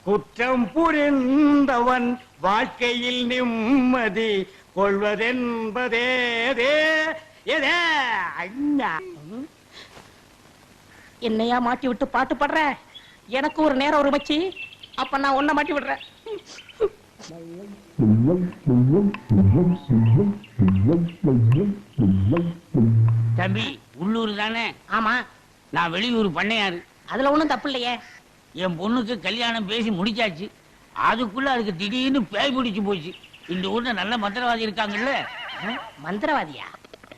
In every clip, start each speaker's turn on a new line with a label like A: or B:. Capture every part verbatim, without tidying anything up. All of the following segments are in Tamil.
A: குற்றம் புரிந்தவன் வாழ்க்கையில் நிம்மதி கொள்வதென்பதே
B: என்னையா மாட்டி விட்டு பாட்டு பாடுற? எனக்கு ஒரு நேரம் ஒரு மச்சி, அப்ப நான் உன்னை மாட்டி விடுறேன்.
C: தம்பி உள்ளூர் தானே?
B: ஆமா.
C: நான் வெளியூர் பண்ணையாரு.
B: அதுல ஒண்ணும் தப்பு இல்லையே.
C: என் பொண்ணுக்கு கல்யாணம் பேசி முடிச்சாச்சு. அதுக்குள்ள அதுக்கு திடீர்னு பேய் பிடிச்சு போச்சு. இந்த ஊர்ல நல்ல மந்திரவாதி இருக்காங்கல்ல.
B: மந்திரவாதியா?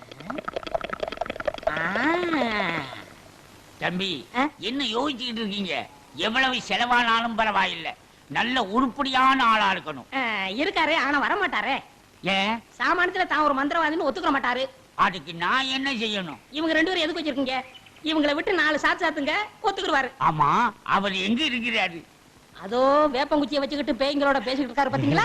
C: தம்பி என்ன யோசிச்சுக்கிட்டு இருக்கீங்க? எவ்வளவு செலவானாலும் பரவாயில்லை, நல்ல உருப்படியான ஆளா இருக்கணும்.
B: இருக்காரு, ஆனா வர மாட்டாரே.
C: ஏன்?
B: சாமானியத்துல தான் ஒரு மந்திரவாதின்னு ஒத்துக்க மாட்டாரு.
C: அதுக்கு நான் என்ன செய்யணும்?
B: இவங்க ரெண்டு பேரும் எதுக்கு வச்சிருக்கீங்க? இவங்களை விட்டு நாலு சாத்து சாத்துங்க, ஒத்துக்குருவாரு.
C: ஆமா, அவர் எங்க இருக்கிறாரு?
B: அதோ வேப்பங்குச்சியை வச்சுக்கிட்டு பேய்களோட பேசிக்கிட்டு இருக்காரு, பாத்தீங்களா?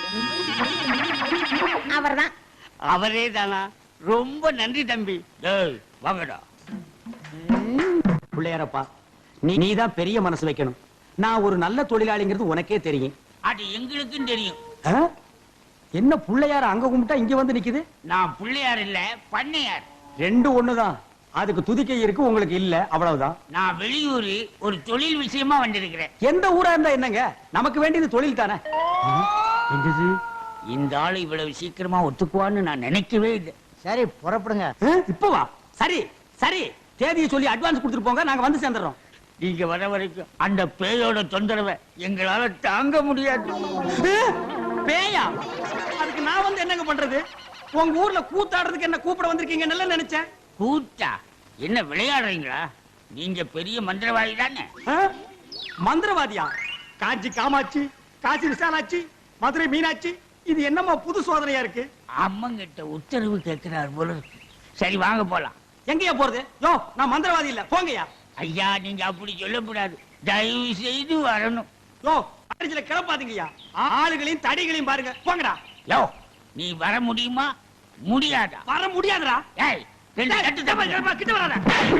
B: அவர்தான்.
C: அவரே தானா? ரொம்ப நன்றி தம்பி. வாங்கடா.
A: பிள்ளையாரப்பா, நீ நீதான் பெரிய மனசு வைக்கணும். நான் ஒரு நல்ல தொழிலாளிங்கிறது உனக்கே தெரியும்.
C: அது எங்களுக்கும் தெரியும்.
A: என்ன பிள்ளையார அங்க கும்பிட்டா இங்க வந்து நிக்குது?
C: நான் பிள்ளையார் இல்ல, பண்ணையார்.
A: ரெண்டு ஒண்ணுதான். அதுக்கு துதிக்கை இருக்கு, உங்களுக்கு இல்ல, அவ்வளவுதான்.
C: நான் வெளியூர் ஒரு தொழில் விஷயமா வந்திருக்கிறேன்.
A: எந்த ஊரா இருந்தா என்னங்க, நமக்கு வேண்டியது தொழில் தானே.
C: இந்த ஆளு இவ்வளவு சீக்கிரமா ஒத்துக்குவான்னு நான் நினைக்கவே இல்லை.
D: சரி, புறப்படுங்க.
A: இப்ப வா. சரி சரி, தேதியை சொல்லி அட்வான்ஸ் கொடுத்துட்டு போங்க, நாங்க வந்து சேர்ந்துறோம்.
C: நீங்க வர வரைக்கும் அந்த பேயோட தொந்தரவை எங்களால தாங்க முடியாது.
A: பேயா? அதுக்கு நான் வந்து என்னங்க பண்றது? உங்க ஊர்ல கூத்தாடுறதுக்கு என்ன கூப்பிட வந்திருக்கீங்க நல்லா நினைச்சேன்.
C: கூத்தா? என்ன விளையாடுறீங்களா? நீங்க பெரிய மந்திரவாதி தானே?
A: மந்திரவாதியா? காஞ்சி காமாட்சி, காசி விசாலாட்சி, மதுரை மீனாட்சி, இது என்னமா புது சோதனையா இருக்கு?
C: அம்மங்கிட்ட உத்தரவு கேட்கிறார் போல இருக்கு. சரி வாங்க போலாம்.
A: எங்கயா போறது? யோ, நான் மந்திரவாதி இல்ல, போங்கயா.
C: ஐயா, நீங்க அப்படி சொல்லக்கூடாது, தயவு செய்து வரணும்.
A: யோ, அடிச்சல கிளப்பாதீங்கய்யா. ஆளுகளையும் தடிகளையும் பாருங்க, போங்கடா.
C: யோ, நீ வர முடியுமா முடியாதா?
A: வர முடியாதுடா.
C: ஏய், ரெண்டு கட்டு தப்பா
A: கிட்ட வராத.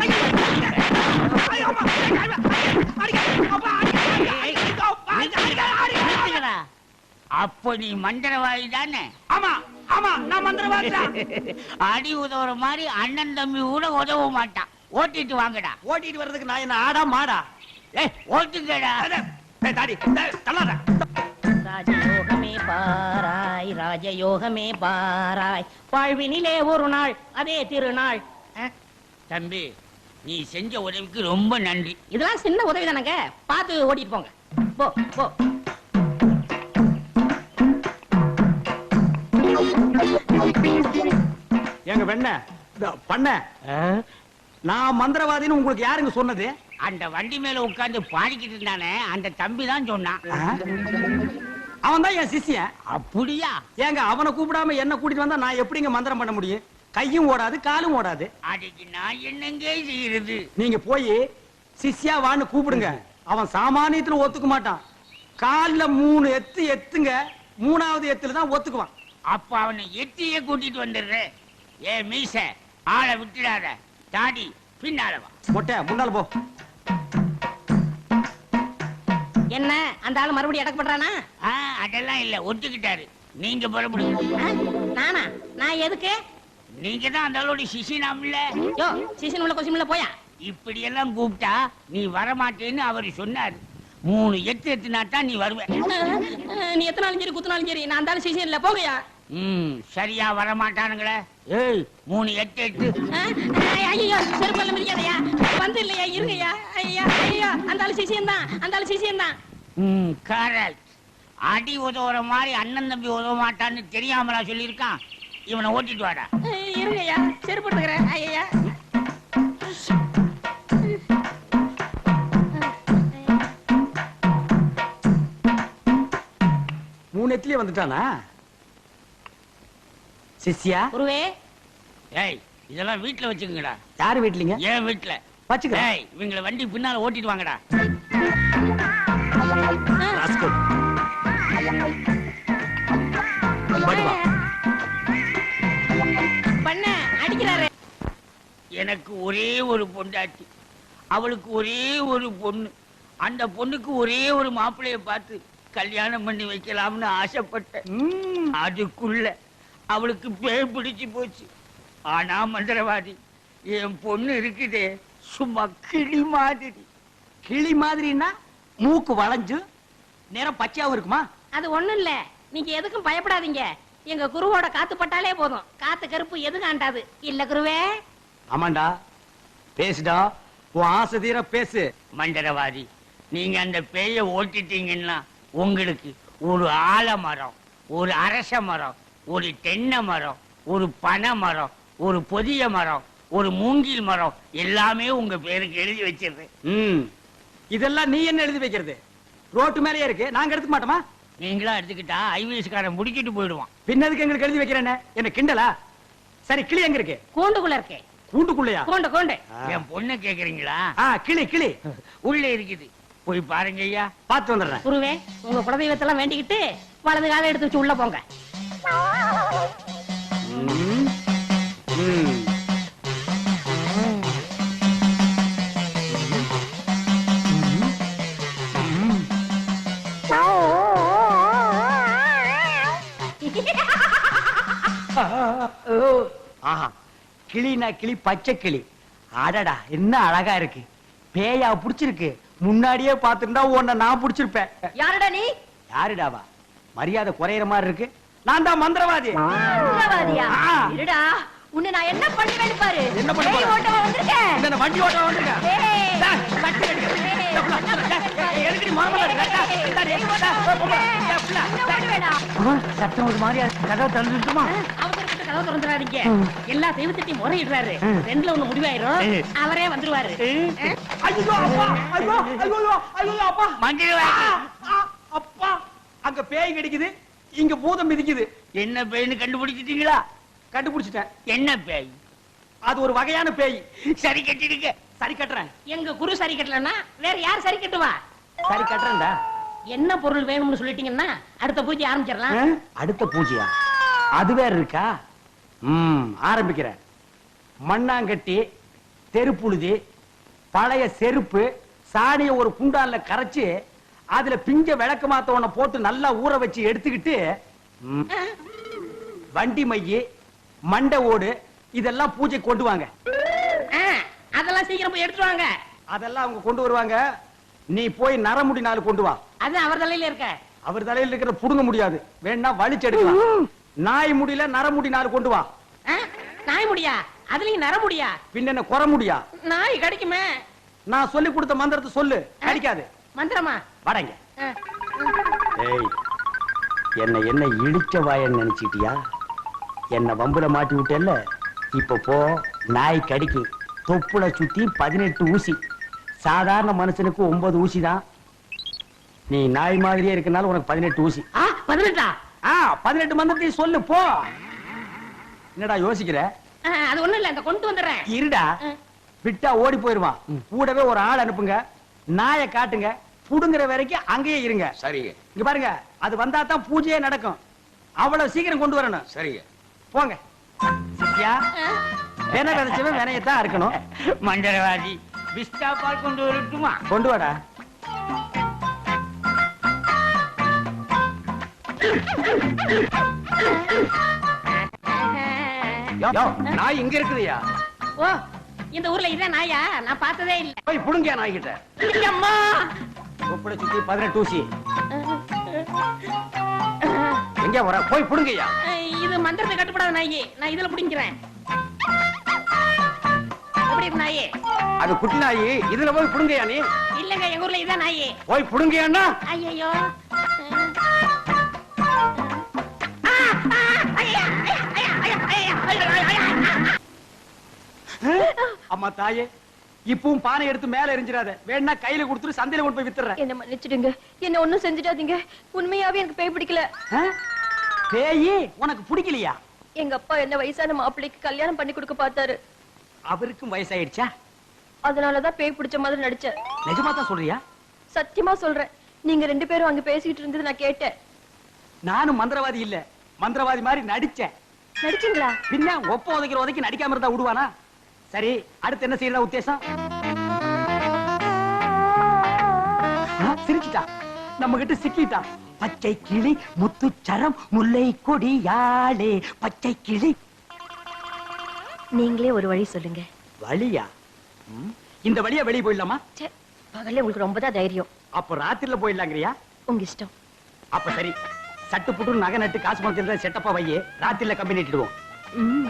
C: அப்ப நீ மந்திரவாதி தானே?
A: ஆமா ஆமா, நான் மந்திரவாதி தான்.
C: அடி உதவுற மாதிரி அண்ணன் தம்பி கூட உதவ மாட்டான். ஓட்டிட்டு வாங்கடா.
A: ஓட்டிட்டு வர்றதுக்கு நான் என்ன ஆடா மாடா?
C: ஏய், ஓட்டுங்கடா.
A: தாடி தள்ளாத.
B: ராஜயோகமே பாராய், ராஜயோகமே பாராய், வாழ்வினிலே ஒரு நாள் அதே திருநாள்.
C: தம்பி, நீ செஞ்ச உதவிக்கு ரொம்ப நன்றி.
B: இதெல்லாம் சின்ன உதவி தானங்க, பார்த்து ஓட்டிட்டு போங்க. போ போ.
A: எங்க வெண்ண பண்ண, நான் மந்திரவாதின்னு உங்களுக்கு யாருங்க சொன்னது?
C: அந்த வண்டி மேல உட்கார்ந்து பாடிக்கிட்டு இருந்தானே, அந்த தம்பி தான் சொன்னான்.
A: அவன் தான் என் சிஷ்யன்.
C: அப்படியா?
A: ஏங்க, அவனை கூப்பிடாம என்ன கூட்டிட்டு வந்தா நான் எப்படிங்க மந்திரம் பண்ண முடியும்? கையும் ஓடாது, காலும் ஓடாது.
C: அதுக்கு நான் என்னங்க செய்யறது?
A: நீங்க போய் சிஷ்யா வான்னு கூப்பிடுங்க. அவன் சாமானியத்துல ஒத்துக்க மாட்டான். கால்ல மூணு எத்து எத்துங்க, மூணாவது எத்துல தான் ஒத்துக்குவான்.
C: அப்ப அவனை எத்தியே கூட்டிட்டு வந்துடுறேன். ஏ மீச, ஆளை விட்டுடாத. தாடி பின்னால வா.
A: மொட்டை முன்னால போ.
B: என்ன, அந்த ஆளு மறுபடியும் அடக்க பண்றானா?
C: அதெல்லாம் இல்ல, ஒத்துக்கிட்டாரு. நீங்க புறப்படுங்க.
B: நானா? நான் எதுக்கு?
C: நீங்க தான் அந்த ஆளோட சிசினாம்ல.
B: யோ, சிசின் உள்ள கொசிமில்ல போயா.
C: இப்படி எல்லாம் கூப்பிட்டா நீ வரமாட்டேன்னு அவரு சொன்னாரு. மூணு எட்டு எத்துனா தான் நீ வருவ.
B: நீ எத்தனாலும் சரி குத்துனாலும் சரி, நான் அந்த சிசின் இல்ல, போகையா.
C: ம், சரியா வரமாட்டானுங்களே. ஏய், மூணு எட்டு எட்டு.
B: ஐயோ, செருப்பல்ல மிதிக்காதயா. வந்து இல்லையா, இருங்கய்யா. ஐயா ஐயா, அந்த ஆளு சிசியன் தான், அந்த ஆளு சிசியன் தான்.
C: ம், கரெக்ட். அடி உதவுற மாதிரி அண்ணன் தம்பி உதவ மாட்டான்னு தெரியாமலா சொல்லியிருக்கான். இவனை ஓட்டிட்டு வாடா.
B: இருங்கய்யா, செருப்பு எடுத்துக்கிறேன். ஐயா,
A: மூணு எத்துலயே வந்துட்டானா சிஷ்யா?
B: குருவே.
C: ஏய், இதெல்லாம் வீட்டுல வச்சுக்கங்கடா.
A: யாரு வீட்லீங்க?
C: ஏன் வீட்டுல
A: வச்சுக்கிறேன்.
C: ஏய், இவங்களை வண்டி பின்னால ஓட்டிட்டு வாங்கடா.
B: பண்ண அடிக்கிறாரு.
C: எனக்கு ஒரே ஒரு பொண்டாட்டி, அவளுக்கு ஒரே ஒரு பொண்ணு. அந்த பொண்ணுக்கு ஒரே ஒரு மாப்பிள்ளைய பார்த்து கல்யாணம் பண்ணி வைக்கலாம்னு ஆசைப்பட்டேன்.
A: ம்.
C: அதுக்குள்ள அவளுக்கு பேய் பிடிச்சு போச்சு. ஆனா மந்திரவாதி, என் பொண்ணு இருக்குதே சும்மா கிளி மாதிரி.
A: கிளி மாதிரின்னா மூக்கு வளைஞ்சு நேரம் பச்சையாவும் இருக்குமா?
B: அது ஒண்ணும் இல்ல, நீங்க எதுக்கும் பயப்படாதீங்க. எங்க குருவோட காத்து பட்டாலே போதும், காத்து கருப்பு எது காண்டாது இல்ல குருவே.
A: ஆமாண்டா, பேசுடா, உன் ஆசை தீர பேசு.
C: மந்திரவாதி, நீங்க அந்த பேய ஓட்டிட்டீங்கன்னா உங்களுக்கு ஒரு ஆலமரம், ஒரு அரச மரம், ஒரு தென்னை மரம், ஒரு பனை மரம், ஒரு பொதிய மரம், ஒரு மூங்கில் மரம் எல்லாமே உங்க பேருக்கு எழுதி வச்சிருது.
A: ம். இதெல்லாம் நீ என்ன எழுதி வைக்கிறது? ரோட்டு மேலேயே இருக்கு, நாங்க எடுத்துக்க மாட்டோமா?
C: நீங்களா எடுத்துக்கிட்டா ஐவிஎஸ்காரன் முடிக்கிட்டு போயிடுவான்.
A: பின்னதுக்கு எங்களுக்கு எழுதி வைக்கிறேன்னு என்ன கிண்டலா? சரி, கிளி எங்க இருக்கு?
B: கூண்டுக்குள்ள இருக்கே.
A: கூண்டுக்குள்ளையா?
B: கூண்டு கூண்டு.
C: என் பொண்ணை கேக்குறீங்களா?
A: ஆ, கிளி கிளி
C: உள்ள இருக்குது, போய் பாருங்க ஐயா.
A: பார்த்து வந்துடுறேன்.
B: குருவே, உங்க குலதெய்வத்தெல்லாம் வேண்டிக்கிட்டு வலது காலை எடுத்து வச்சு உள்ள போங்க.
A: ம். ம். ஆஹா, கிளினா கிளி, பச்சை கிளி. அடடா, என்ன அழகா இருக்கு. பேயா புடிச்சிருக்கு. முன்னாடியே பாத்துருந்தா உன்னை நான் புடிச்சிருப்பேன்.
D: யாருடா நீ?
A: யாருடாவா? மரியாதை குறையிற மாதிரி இருக்கு. நான் தான் மந்திரவாதி.
D: மந்திரவாதியா?
A: ஆ.
D: இருடா, உன்னை நான் என்ன பண்ணுவேன்னு பாரு.
A: என்ன பண்ண
D: பேய்
A: போற?
D: ஓட்டவா வந்திருக்கேன்?
A: இந்த வண்டி ஓட்ட வந்திருக்கேன்.
D: ஏய்.
A: டேய், தட்டி அடிக்க.
D: ஏய்.
A: டேய், புள்ள, டேய், டேய், எதுக்குடி மரமல இருக்க? டேய், டேய், டேய், டேய், புள்ள, டேய், புள்ள,
D: என்ன பண்ணுவேடா?
A: சத்தம் ஒரு மாதிரியா இருக்கு. கதவை திறந்துட்டுமா?
B: அவசரப்பட்டு கதவை திறந்துடாதீங்க. எல்லா தெய்வத்திட்டையும் முறையிடுறாரு. ரெண்டுல ஒண்ணு முடிவாயிரும், அவரே வந்துருவாரு.
A: ஐயோ, அப்பா, ஐயோ, ஐயோ, ஐயோ, அப்பா.
C: மந்திரவாதி,
A: ஆ, அப்பா, அங்க பேய் கிடைக்குது, இங்க பூதம் மிதிக்குது.
C: என்ன பேய்னு கண்டுபிடிச்சிட்டீங்களா?
A: கண்டுபிடிச்சிட்டேன்.
C: என்ன பேய்?
A: அது ஒரு வகையான பேய்.
C: சரி கட்டிடுங்க.
A: சரி கட்டுறேன்.
B: எங்க குரு சரி கட்டலன்னா வேற யார் சரி கட்டுவா?
A: சரி கட்டுறேன்டா.
B: என்ன பொருள் வேணும்னு சொல்லிட்டீங்கன்னா அடுத்த பூஜை
A: ஆ?
B: ஆரம்பிச்சிடலாம்.
A: அடுத்த பூஜையா? அது வேற இருக்கா? ம், ஆரம்பிக்கிறேன். மண்ணாங்கட்டி, தெருப்புழுதி, பழைய செருப்பு, சாணிய ஒரு குண்டான்ல கரைச்சு அதுல பிஞ்ச விளக்கு மாத்த ஒண்ண போட்டு நல்லா ஊற வச்சு எடுத்துக்கிட்டு, ம், வண்டி மைய, மண்டை ஓடு இதெல்லாம் பூஜை கொண்டு வாங்க.
B: ஆ, அதெல்லாம் சீக்கிரம் போய் எடுத்துட்டு வாங்க.
A: அதெல்லாம் அவங்க கொண்டு வருவாங்க. நீ போய் நரமுடி நாலு கொண்டு வா.
B: அது அவர் தலையில இருக்க.
A: அவர் தலையில இருக்கிற புடுங்க முடியாது, வேணா வலிச்சு எடுக்கலாம். நாய் முடியல நரமுடி நாலு கொண்டு வா.
B: ஆ, நாய் முடியா? அதுலயும் நர முடியா?
A: பின்ன என்ன குற முடியா?
B: நாய் கிடைக்குமே.
A: நான் சொல்லி கொடுத்த மந்திரத்தை சொல்லு, கிடைக்காது.
B: மந்திரமா?
A: வடங்க.
B: ஆ,
A: ஏய், என்ன என்ன இடிச்ச வாயன்னு நினைச்சிட்டியா? என்ன வம்புல மாட்டி விட்டேல்ல, இப்ப போ. நாய் கடிக்கு தொப்புல சுத்தி பதினெட்டு ஊசி. சாதாரண மனுஷனுக்கு ஒன்பது ஊசி தான். நீ நாய் மாதிரியே இருக்கனால உனக்கு பதினெட்டு ஊசி.
B: ஆ, பதினெட்டா?
A: ஆ, பதினெட்டு மந்திரத்தையும் சொல்லு, போ. என்னடா யோசிக்கிற?
B: ஆ, அது ஒண்ணும் இல்ல, இந்த கொண்டு வந்துடுறேன்.
A: இருடா,
B: ஆ.
A: விட்டா ஓடி போயிருவான். கூடவே ஒரு ஆள் அனுப்புங்க, நாயை காட்டுங்க, புடுங்குற வரைக்கும் அங்கேயே இருங்க.
E: சரிங்க
A: இங்க பாருங்க, அது வந்தா தான் பூஜையே நடக்கும். அவ்வளவு சீக்கிரம் கொண்டு வரணும்.
E: சரிங்க.
A: போங்க. சித்தியா, வேண விதைச்சவன் வினையத்தான் இருக்கணும்.
C: மந்திரவாதி, பிஸ்தா பால் கொண்டு வரட்டுமா?
A: கொண்டு வாடா. யோ, நாய் இங்க இருக்குதுயா.
B: ஓ, இந்த ஊர்ல இதான் நாயா? நான் பார்த்ததே இல்ல.
A: போய் புடுங்க நாய் கிட்ட.
B: அம்மா.
A: தொப்புளை சுத்தி பதினெட்டு ஊசி. எங்க வர? போய் புடுங்கய்யா.
B: இது மந்திரத்தை கட்டுப்படாத நாயி, நான் இதுல புடிங்கிறேன். எப்படி இருக்கு நாயி?
A: அது குட்டி நாய், இதுல போய் புடுங்கய்யா நீ.
B: இல்லங்க, எங்க ஊர்ல இதான் நாயி.
A: போய் புடுங்கய்யான்னா.
B: ஐயோ.
A: அம்மா தாயே, இப்பவும் பானை எடுத்து மேல எரிஞ்சிடாத. வேணா கையில கொடுத்துட்டு சந்தையில கொண்டு போய் வித்துறேன்.
D: என்ன மன்னிச்சிடுங்க, என்ன ஒண்ணும் செஞ்சிடாதீங்க. உண்மையாவே எனக்கு பேய் பிடிக்கல.
A: ஆ? பேயி உனக்கு பிடிக்கலையா?
D: எங்க அப்பா என்ன வயசான மாப்பிள்ளைக்கு கல்யாணம் பண்ணி கொடுக்க பார்த்தாரு.
A: அவருக்கும் வயசாயிடுச்சா?
D: அதனாலதான் பேய் பிடிச்ச மாதிரி நடிச்சேன்.
A: நிஜமா தான் சொல்றியா?
D: சத்தியமா சொல்றேன். நீங்க ரெண்டு பேரும் அங்க பேசிக்கிட்டு இருந்தது நான் கேட்டேன்.
A: நானும் மந்திரவாதி இல்ல, மந்திரவாதி மாதிரி நடிச்சேன்.
D: நடிச்சீங்களா?
A: பின்ன ஒப்ப உதைக்கிற உதைக்கு நடிக்காம இருந்தா விடுவானா? சரி, அடுத்து என்ன செய்யறதா உத்தேசம்? சிரிச்சிட்டான், நம்ம கிட்ட சிக்கிட்டான். பச்சை கிளி முத்துச்சரம் முல்லை கொடியாளே பச்சை கிளி.
D: நீங்களே ஒரு வழி சொல்லுங்க.
A: வழியா? ம், இந்த வழியா வெளியே போயிடலாமா?
D: ச்சே, பகல்ல உங்களுக்கு ரொம்ப தான் தைரியம்.
A: அப்ப ராத்திரில போயிடலாங்கிறியா?
D: உங்க இஷ்டம்.
A: அப்ப சரி, சட்டு புட்டு நகை நட்டு காசு பணத்தில் செட்டப்பா வையே, ராத்திரில கம்பெனி இட்டுடுவோம்.
D: ம்.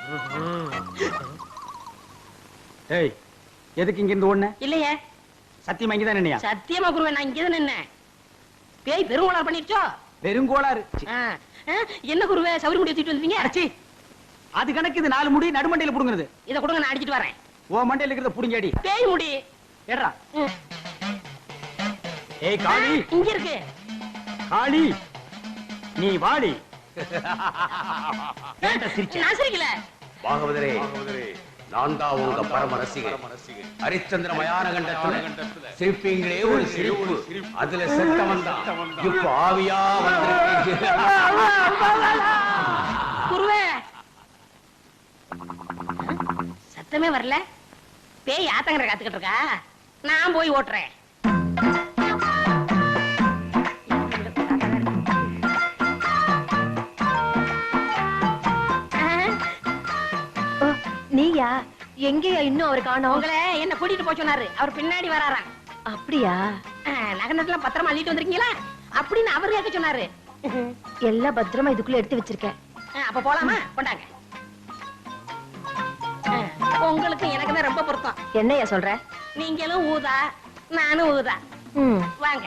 A: ஏய், எதுக்கு இங்க இருந்து ஓடுன?
B: இல்லையே,
A: சத்தியமா இங்கதான் நின்னையா?
B: சத்தியமா குருவே, நான் இங்கதான் நின்னேன். பேய் பெருங்கோளாறு பண்ணிருச்சோ?
A: வெறுங்கோளாறு.
B: ஆ, ஆ, என்ன குருவே சவுரி முடி தூக்கிட்டு வந்தீங்க?
A: அடச்சி, அது கணக்கு இது நாலு முடி நடுமண்டையில புடுங்குறது.
B: இத கொடுங்க, நான் அடிச்சிட்டு வரேன்.
A: ஓ மண்டையில இருக்கிறத புடுங்கடி.
B: பேய் முடி
A: ஏடா.
B: ம்,
A: ஏய் காளி,
B: இங்க இருக்கு.
A: காளி நீ வாடி. ஏன்டா சிரிச்ச?
B: நான் சிரிக்கல.
E: பாகவதரே, நான் தான் உங்க பரம ரசிகர். ஹரிச்சந்திர மயான கண்டத்துல சிரிப்பீங்களே ஒரு சிரிப்பு, அதுல செத்தவன் தான் இப்ப ஆவியா வந்திருக்கீங்க.
B: குருவே, சத்தமே வரல. பேய் ஆத்தங்கரை காத்துக்கிட்டு இருக்கா, நான் போய் ஓட்டுறேன்.
D: ஓ, நீயா? எங்கேயா இன்னும் அவர் காணோம்?
B: உங்களை என்ன கூட்டிட்டு போய் சொன்னாரு, அவர் பின்னாடி வராராம்.
D: அப்படியா?
B: நகனத்தெல்லாம் பத்திரமா அள்ளிட்டு வந்திருக்கீங்களா அப்படின்னு அவர் கேட்க சொன்னாரு.
D: எல்லாம் பத்திரமா இதுக்குள்ள எடுத்து வச்சிருக்கேன்.
B: ஆ, அப்ப போலாமா? கொண்டாங்க. ஆ, உங்களுக்கு எனக்கு தான் ரொம்ப பொருத்தம்.
D: என்னையா சொல்ற?
B: நீங்களும் ஊதா, நானும் ஊதா.
D: ம்.
B: வாங்க.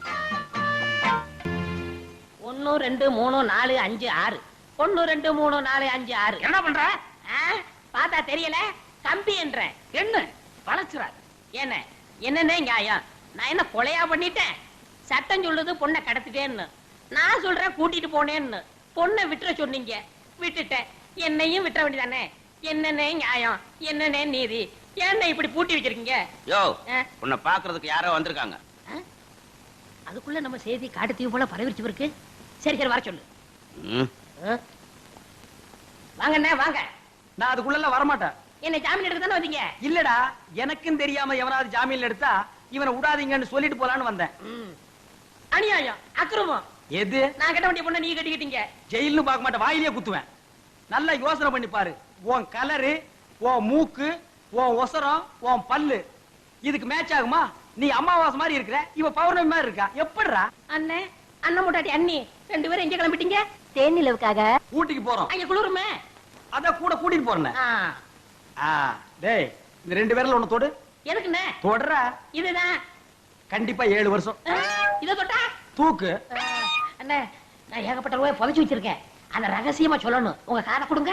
B: ஒன்னு ரெண்டு மூணு நாலு அஞ்சு ஆறு. ஒன்னு ரெண்டு மூணு நாலு அஞ்சு ஆறு.
C: என்ன பண்ற?
B: ஆ, பார்த்தா தெரியல, கம்பி என்ற
C: என்ன வளச்சுறாரு?
B: என்ன என்னன்னே நியாயம்? நான் என்ன கொலையா பண்ணிட்டேன்? சட்டம் சொல்லுது பொண்ணை கடத்திட்டேன்னு, நான் சொல்றேன் கூட்டிட்டு போனேன்னு. பொண்ணை விட்டுற சொன்னீங்க, விட்டுட்டேன். என்னையும் விட்டுற வேண்டியதானே? என்னன்னே நியாயம், என்னன்னே நீதி? என்ன இப்படி பூட்டி வச்சிருக்கீங்க?
E: யோ,
B: ஆ?
E: உன்னை பாக்குறதுக்கு யாரோ வந்திருக்காங்க.
B: ஆ? அதுக்குள்ள நம்ம செய்தி காட்டு தீவு போல பரவிச்சு இருக்கு. சரி சரி, வர சொல்லு.
E: ம்.
B: ஆ? வாங்கண்ணே வாங்க.
A: நான் அதுக்குள்ள வரமாட்டேன்.
B: என்ன ஜாமீன் எடுக்க தானே வந்தீங்க?
A: இல்லடா, எனக்கும் தெரியாம எவனாவது ஜாமீன்ல எடுத்தா இவனை விடாதீங்கன்னு சொல்லிட்டு போலான்னு வந்தேன்.
B: ம். அநியாயம், அக்கிரமம்.
A: எது?
B: நான் கட்ட வேண்டிய பொண்ணை நீங்க கட்டிக்கிட்டீங்க.
A: ஜெயில்னு பார்க்க மாட்டேன், வாயிலேயே குத்துவேன். நல்லா யோசனை பண்ணி பாரு. உன் கலரு, உன் மூக்கு, உன் ஒசரம், உன் பல்லு இதுக்கு மேட்ச் ஆகுமா? நீ அமாவாசை மாதிரி இருக்கிற, இவ பௌர்ணமி மாதிரி இருக்கா. எப்படிடா?
B: அண்ணே, அண்ணன் முட்டாட்டி அண்ணி ரெண்டு பேரும் எங்க கிளம்பிட்டீங்க?
D: தேன் நிலவுக்காக.
A: ஊட்டிக்கு போறோம்.
B: அங்க குளிருமே.
A: அத கூட கூட்டிட்டு போறேன்.
B: ஆ.
A: ஆ, டேய், இந்த ரெண்டு பேர்ல ஒண்ணு தொடு.
B: எதுக்குண்ணே?
A: தொடற.
B: இதுதான்.
A: கண்டிப்பா ஏழு வருஷம்.
B: ஆ, இத தொட்டா?
A: தூக்கு.
B: ஆ, அண்ணே, நான் ஏகப்பட்ட ரூபாய் புதைச்சு வச்சிருக்கேன். அத ரகசியமா சொல்லணும். உங்க காதை கொடுங்க.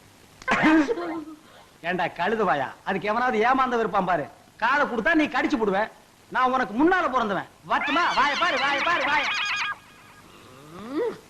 A: ஏண்டா கழுதுவாயா, அதுக்கு எவனாவது ஏமாந்த இருப்பான் பாரு. காதை கொடுத்தா நீ கடிச்சு போடுவ. நான் உனக்கு முன்னால பிறந்தவன். வட்டுமா? வாய பாரு, வாய பாரு, வாய.
B: ம்.